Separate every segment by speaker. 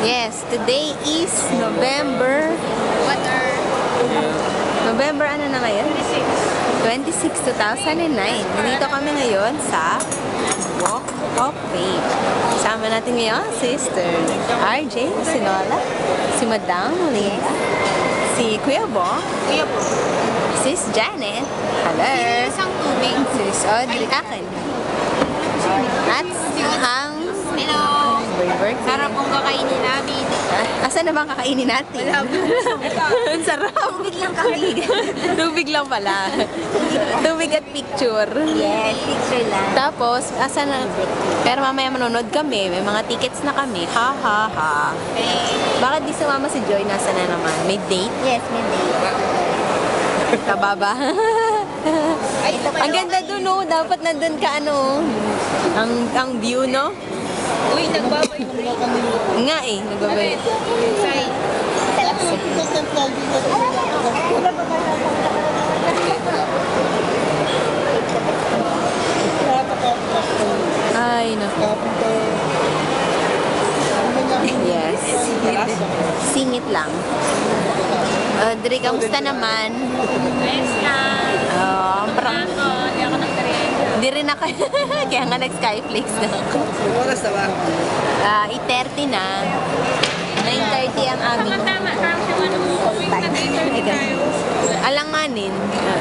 Speaker 1: Yes, today is November... November ano na ngayon? 26, 2009. Nandito kami ngayon sa Walk of Fame. Kasama natin ngayon, Sister RJ, si Nola, si Madam Linda, si Kuya Bong, Sis Janet, hello, Sis Audrey, akin, at ang Burger King.
Speaker 2: Sarap pong kakainin namin.
Speaker 1: Asan na bang kakainin natin? Ang sarap.
Speaker 2: Tubig lang kami.
Speaker 1: Tubig lang pala. Tubig at picture.
Speaker 2: Yes, picture lang.
Speaker 1: Tapos, asan na? Pero mamaya manonood kami. May mga tickets na kami. Ha, ha, ha. Bakit di sumama si Joy? Nasa na naman? May date?
Speaker 2: Yes, may date.
Speaker 1: Kababa. Ang ganda dun, no? Dapat nandun ka, ano? Ang view, no?
Speaker 2: Uy, nagbabay.
Speaker 1: Nga eh, nagbabay.
Speaker 2: Inside.
Speaker 1: Ay, naku. Yes. Singit lang. Audrey, kamusta naman?
Speaker 2: Ayos na.
Speaker 1: Parang...
Speaker 2: Hindi ako nagtariyan.
Speaker 1: Hindi rin ako. Kaya nga nag-Skyflix na ako.
Speaker 3: Oras na ba?
Speaker 1: 8:30 na. 9:30 ang aming
Speaker 2: Tama, parang siya ano mo.
Speaker 1: alanganin.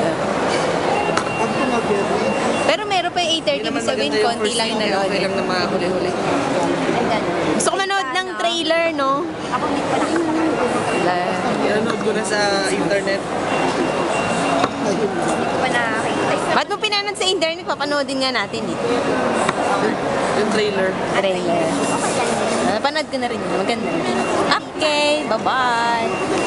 Speaker 1: Pero meron pa yung 8:30 ibig sabihin, konti lang yung nanood.
Speaker 3: Okay lang na makahuli-huli.
Speaker 1: Gusto ko manood ng trailer, no?
Speaker 2: Ako hindi ko lang.
Speaker 3: Pinanood ko na sa internet.
Speaker 2: Hindi ko pa nakakita.
Speaker 1: Ba't mo pinanood sa internet? Papanoodin nga natin eh.
Speaker 3: Yung trailer.
Speaker 1: Trailer. Napanood ko na rin yun. Maganda. Okay, bye-bye.